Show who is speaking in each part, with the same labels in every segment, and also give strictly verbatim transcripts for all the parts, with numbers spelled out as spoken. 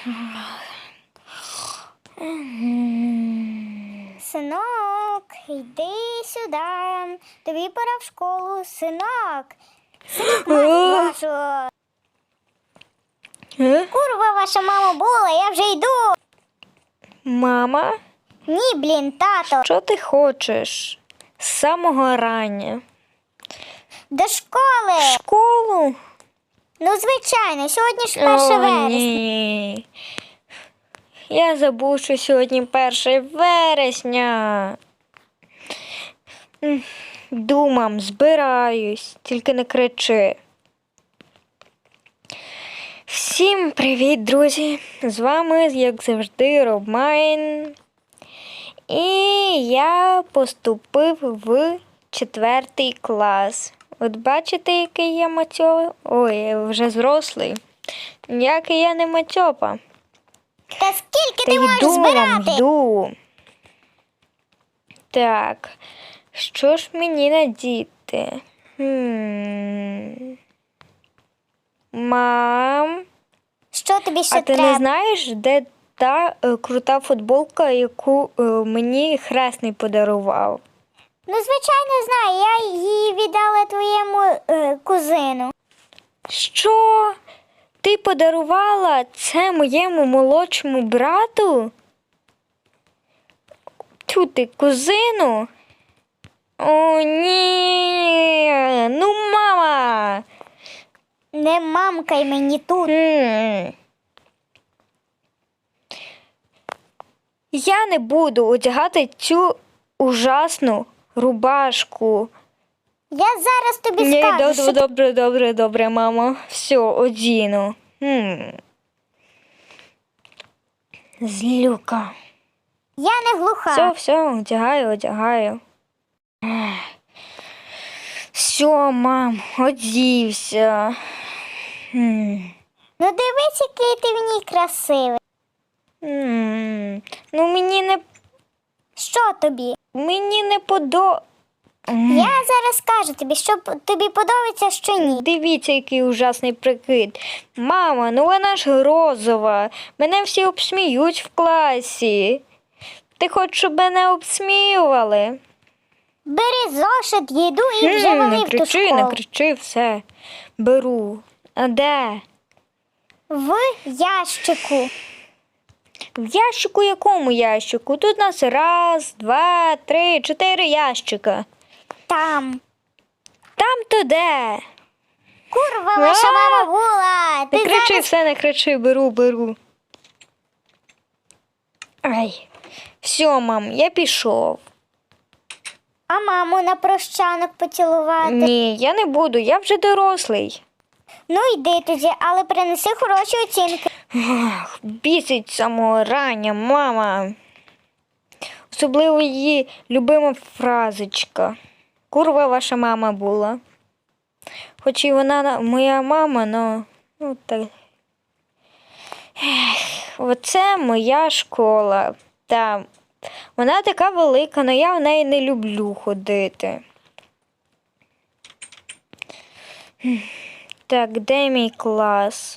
Speaker 1: Синок, йди сюди. Тобі пора в школу, синок. Синок, мать вашу. Курва, ваша мама була, я вже йду.
Speaker 2: Мама?
Speaker 1: Ні, блін, тато.
Speaker 2: Що ти хочеш? З самого рання.
Speaker 1: До школи.
Speaker 2: В школу?
Speaker 1: Ну, звичайно, сьогодні ж перше
Speaker 2: О,
Speaker 1: вересня.
Speaker 2: ні. Я забув, що сьогодні перше вересня. М, Думам, збираюсь, тільки не кричи. Всім привіт, друзі! З вами, як завжди, Робмайн. І я поступив в четвертий клас. От бачите, який я матьо? Ой, я вже зрослий. Ніякий я не матьопа.
Speaker 1: Та скільки
Speaker 2: Та
Speaker 1: ти можеш
Speaker 2: йду вам,
Speaker 1: збирати?
Speaker 2: йду. Так, що ж мені надіти? Хм. Мам,
Speaker 1: Що тобі ще
Speaker 2: а ти
Speaker 1: треба?
Speaker 2: не знаєш, де та е, крута футболка, яку е, мені хресний подарував?
Speaker 1: Ну, звичайно, знаю. Я її віддала твоєму е, кузину.
Speaker 2: Що? Ти подарувала це моєму молодшому брату? Тю ти, кузину? О, ні. Ну, мама.
Speaker 1: Не мамкай мені тут.
Speaker 2: М. Я не буду одягати цю ужасну рубашку.
Speaker 1: Я зараз тобі
Speaker 2: Ні,
Speaker 1: скажу,
Speaker 2: добре,
Speaker 1: що
Speaker 2: добре, добре, добре, мамо. Все, одіну. М. Злюка.
Speaker 1: я не глуха.
Speaker 2: Все, все, одягаю, одягаю. Ех. Все, мам, одівся. М.
Speaker 1: Ну, дивись, який ти в ній красивий.
Speaker 2: М. Ну, мені не,
Speaker 1: Що тобі?
Speaker 2: мені не подо...
Speaker 1: Я зараз скажу тобі, що п- тобі подобається, що ні.
Speaker 2: Дивіться, який ужасний прикид. Мама, ну вона ж розова. Мене всі обсміють в класі. Ти хочеш, щоб мене обсміювали?
Speaker 1: Бери зошит, їду і вже
Speaker 2: М,
Speaker 1: вали
Speaker 2: не
Speaker 1: в ту
Speaker 2: кричи,
Speaker 1: школу.
Speaker 2: не кричи, все. Беру. А де?
Speaker 1: В ящику.
Speaker 2: В ящику якому ящику? Тут у нас раз, два, три, чотири ящика.
Speaker 1: Там.
Speaker 2: Там то де?
Speaker 1: Курва, ваша
Speaker 2: А!
Speaker 1: мама була.
Speaker 2: Не
Speaker 1: Ти
Speaker 2: кричи,
Speaker 1: зараз...
Speaker 2: все, не кричи, беру, беру. Ай. Все, мам, я пішов.
Speaker 1: А маму на прощанок поцілувати.
Speaker 2: Ні, я не буду, я вже дорослий.
Speaker 1: Ну, йди тоді, але принеси хороші оцінки.
Speaker 2: Ах, бісить з самого рання, мама. Особливо її любима фразочка. Курва ваша мама була. Хоч і вона на- моя мама, но ну так. Ех, оце моя школа. Та вона така велика, але я в неї не люблю ходити. Так, де мій клас?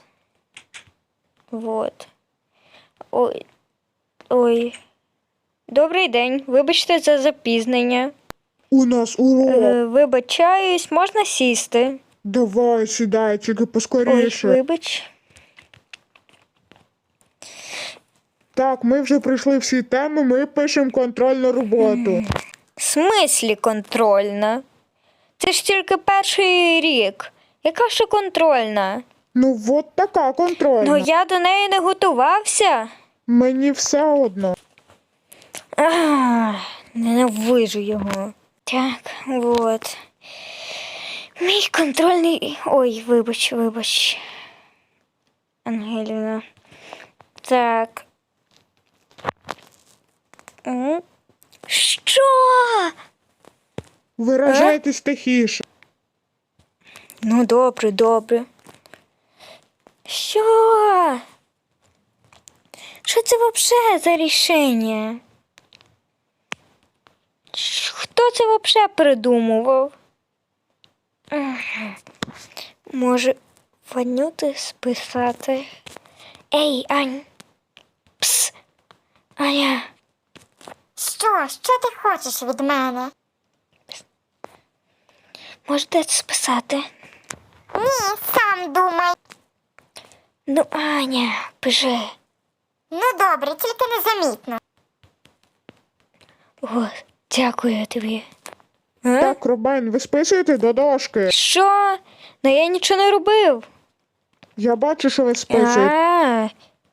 Speaker 2: Вот. Ой. Ой. Добрий день. Вибачте за запізнення.
Speaker 3: У нас урок.
Speaker 2: Е, вибачаюсь, можна сісти?
Speaker 3: Давай, сідай, тільки
Speaker 2: Ой,
Speaker 3: поскоріше.
Speaker 2: вибач.
Speaker 3: Так, ми вже пройшли всі теми, ми пишемо контрольну роботу.
Speaker 2: В смислі контрольна? Це ж тільки перший рік. Яка ще контрольна?
Speaker 3: Ну, от така контрольна.
Speaker 2: Ну я до неї не готувався.
Speaker 3: Мені все одно.
Speaker 2: Ах, ненавижу його. Так, от. Мій контрольний. Ой, вибач, вибач. Ангеліна. Так. М? Що?
Speaker 3: Виражайтесь тихіше.
Speaker 2: Ну, добре, добре. Що? Що це взагалі за рішення? Ш- Хто це взагалі придумував? Ех, може, Ванюти списати? Ей, Ань, Аня,
Speaker 1: Що? Що ти хочеш від мене?
Speaker 2: можете списати?
Speaker 1: Ні, сам думай.
Speaker 2: Ну, Аня, пиши.
Speaker 1: Ну добре, тільки незамітно.
Speaker 2: О, дякую тобі. А?
Speaker 3: Так, Робайн, ви списуєте до дошки.
Speaker 2: Що? Ну я нічого не робив.
Speaker 3: Я бачу, що ви списуєте.
Speaker 2: А.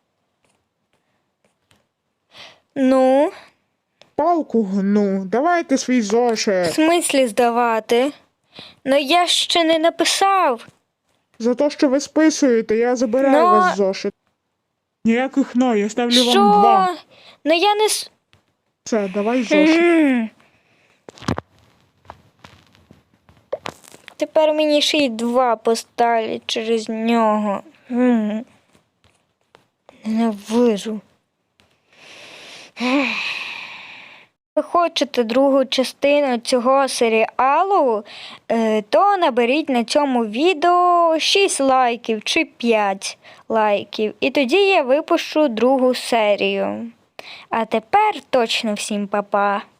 Speaker 2: Ну,
Speaker 3: Палку гну. Давайте свій
Speaker 2: в
Speaker 3: зошит.
Speaker 2: смислі здавати? Ну я ще не написав.
Speaker 3: За те, що ви списуєте, я забираю
Speaker 2: Ну,
Speaker 3: вас зошит. Ніяких «но», я ставлю вам два.
Speaker 2: Що? Ну я не с-
Speaker 3: Все, давай зошит.
Speaker 2: М. Тепер мені ще й два поставлять через нього. М. Ненавижу. Ви хочете другу частину цього серіалу, е, то наберіть на цьому відео шість лайків чи п'ять лайків. І тоді я випущу другу серію. А тепер точно всім па-па.